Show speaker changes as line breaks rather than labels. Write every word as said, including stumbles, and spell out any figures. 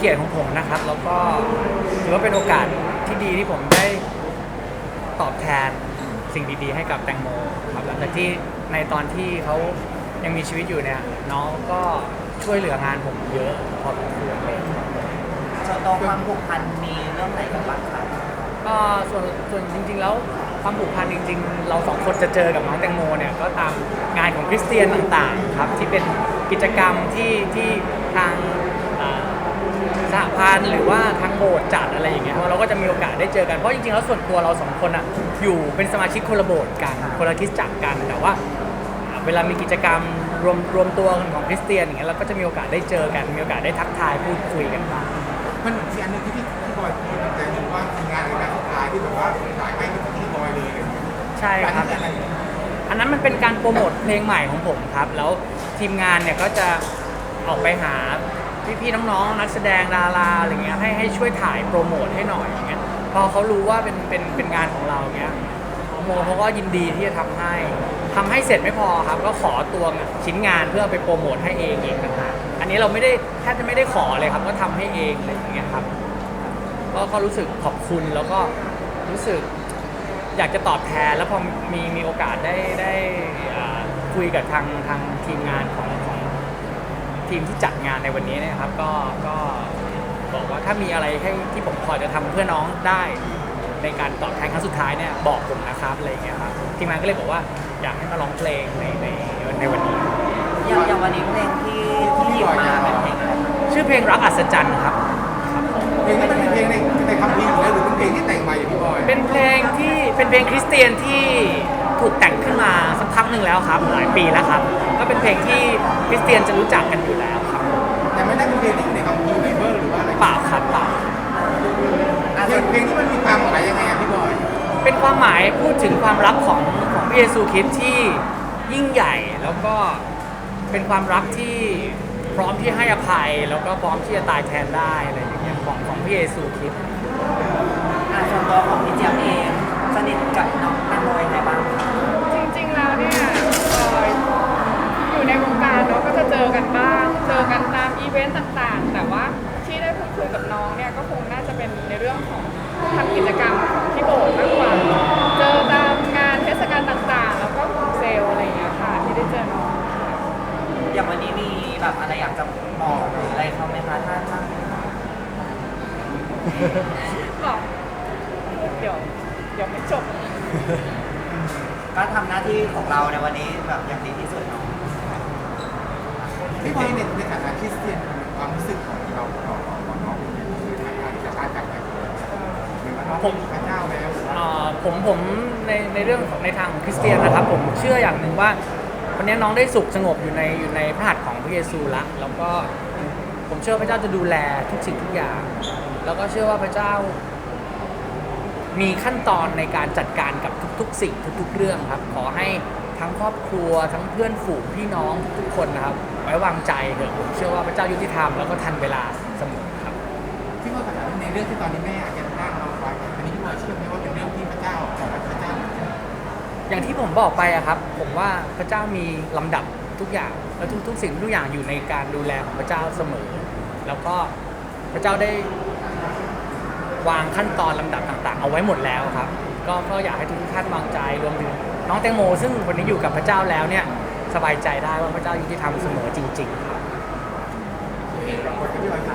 กียรติของผมนะครับแล้วก็ถือว่าเป็นโอกาสที่ดีที่ผมได้ตอบแทนสิ่งดีๆให้กับแตงโมครับหลังจากที่ในตอนที่เขายังมีชีวิตอยู่เนี่ยน้องก็ช่วยเหลืองานผมเยอะพอสมควรเลย
ส่วนตัวความผูกพันมีเรื่องไหนกันบ้างครับ
ก็ส่วนส่วนจริงๆแล้วความผูกพันจริงๆเราสองคนจะเจอกับน้องแตงโมเนี่ยก็ตามงานของคริสเตียนต่างๆครับที่เป็นกิจกรรมที่ที่ทางอ่าสหพันธ์หรือว่าทางโบสถ์จัดอะไรอย่างเงี้ยเราก็จะมีโอกาสได้เจอกันเพราะจริงๆแล้วส่วนตัวเราสองคนอ่ะอยู่เป็นสมาชิกคนละโบสถ์กันคนละคริสตจักรกันแต่ว่าเวลามีกิจกรรมรวมรวมตัวกันของคริสเตียนอย่างเงี้ยเราก็จะมีโอกาสได้เจอกันมีโอกาสได้ทักทายพูดคุยกันบ้าง
มันเหมือนที่อันหนึงที่พี่พี่บอยพูดแต่เห็นว่ามีงานในการสุดท้ายที่แบบว่าถ่ายให้กับพี่บอยเลยอะไรอย่างเงี้ย
ใช่ครับ
อันนี้อะไร
อันนั้นมันเป็นการโปรโมทเพลงใหม่ของผมครับ แล้วทีมงานเนี่ยก็จะออกไปหาพี่ๆน้องๆนักแสดงดาราอะไรเงี้ยให้ให้ช่วยถ่ายโปรโมทให้หน่อยอย่างเงี้ยพอเขารู้ว่าเป็นเป็นเป็นงานของเราเงี้ยโมเขาก็ยินดีที่จะทำให้ทำให้เสร็จไม่พอครับก็ขอตัวชิ้นงานเพื่อไปโปรโมทให้เองเองต่างหากอันนี้เราไม่ได้แทบจะไม่ได้ขอเลยครับก็ทำให้เองอะไรอย่างเงี้ยครับก็ก็รู้สึกขอบคุณแล้วก็รู้สึกอยากจะตอบแทนแล้วพอมีมีโอกาสได้ได้อ่าคุยกับทางทางทีมงานของของทีมที่จัดงานในวันนี้เนะครับก็ก็บอกว่าถ้ามีอะไรให้ที่ผมพอจะทำเพื่อน้องได้ในการตอบแทนครั้งสุดท้ายเนี่ยบอกผมนะครับอะไรอย่างเงี้ยครับทีมงานก็เลยบอกว่าอยากให้มาร้องเพลงในในในวันนี้
อย่างอย่างวันนี้เพลงที่ที่หยิบมาเป็นเพลงอะไรครับ
ชื่อเพลงรักอัศจรรย์ครับ
เพลงนี้มันเป็นเพลงในในคำพีร์อยู่แล้วหรือเป็นเพลงที่แต่งมาอย่างพี่บอย
เป็นเพลงที่เป็นเพลงคริสเตียนที่ถูกแต่งขึ้นมาสักพักหนึ่งแล้วครับหลายปีแล้วครับก็เป็นเพลงที่คริสเตียนจะรู้จักกันอยู่แล้วครับ
แต่ไม่ได้เป็นเพลงที่อยู่ในคำพีร์ไบเบิลหรือว่าอะไร
เปล่าครับเปล่า
เพลงเพลงที่มันมีความหมายยังไงอะพี่บอย
เป็นความหมายพูดถึงความรักของของพระเยซูคริสต์ที่ยิ่งใหญ่แล้วก็เป็นความรักที่พร้อมที่ให้อภัยแล้วก็พร้อมที่จะตายแทนได้อะไรอย่างเงี้ยของของพระเยซูคริสต์
อ่าส่วนตัวของพี่เจี๊ยบเองสนิทกับน้องแตงโมยังไงบ้างครับ
จริงๆ แล้วเนี่ยเอ่ออยู่ในวงการเนาะก็จะเจอกันบ้าง เจอกันตามอีเวนต์ต่างๆ แต่ว่าที่ได้พูดคุยกับน้องเนี่ยก็คงน่าจะเป็นในเรื่องของทำกิจกรรมของที่โบสถ์มากกว่า เจอตามงานเทศกาลต่างๆ แล้วก็ของเซลล์อะไรอย่างเงี้ยค่ะที่ได้เจอน้องค่ะ
อย่างวันนี้มีแบบอะไรอยากจะบอกหรืออะไรเขาไหมคะถ้าถ้า
บอกเดี๋ยวเดี๋ยวไม่จบ
ก็ทำหน้าที่ของเราในวันนี้แบบอย่างดีที่สุดเนาะ
พี่บอยในในฐานะคริสเตียนความรู้สึกของเราต่อของน้องเป็นยังไงในฐานะที่จะการจากไปเหมือนว่าน้องเป็นพระเจ้าแล้วหรือว่า
อ่าผมผมในในเรื่องของในทางของคริสเตียนนะครับผมเชื่ออย่างหนึ่งว่าวันนี้น้องได้สุขสงบอยู่ในอยู่ในพระหัตถ์ของพระเยซูละแล้วก็ผมเชื่อพระเจ้าจะดูแลทุกสิ่งทุกอย่าง แล้วก็เชื่อว่าพระเจ้ามีขั้นตอนในการจัดการกับทุกๆสิ่งทุกๆเรื่องครับขอให้ทั้งครอบครัวทั้งเพื่อนฝูงพี่น้องทุกๆคนนะครับไว้วางใจเถอะผมเชื่อว่าพระเจ้ายุติธรรมแล้วก็ทันเวลาเสมอครับ
พี่บอยถามในเรื่องที่ตอนนี้แม่อาจจะร่างเราไว้อันนี้พี่บอยเชื่อไหมว่าเป็นเรื่องที่พระเจ้าของพระเจ้า
อย่างที่ผมบอกไปอะครับผมว่าพระเจ้ามีลำดับทุกอย่างและทุกทุกสิ่งทุกอย่างอยู่ในการดูแลของพระเจ้าเสมอ แล้วก็พระเจ้าได้วางขั้นตอนลำดับต่างๆ เอาไว้หมดแล้วครับ ก็ก็อยากให้ทุกท่านวางใจรวมถึงน้องแตงโม ซึ่งวันนี้อยู่กับพระเจ้าแล้วเนี่ยสบายใจได้ว่าพระเจ้ายุติธรรมเสมอจริงๆครับ
เราควรจะพี่บอยถาม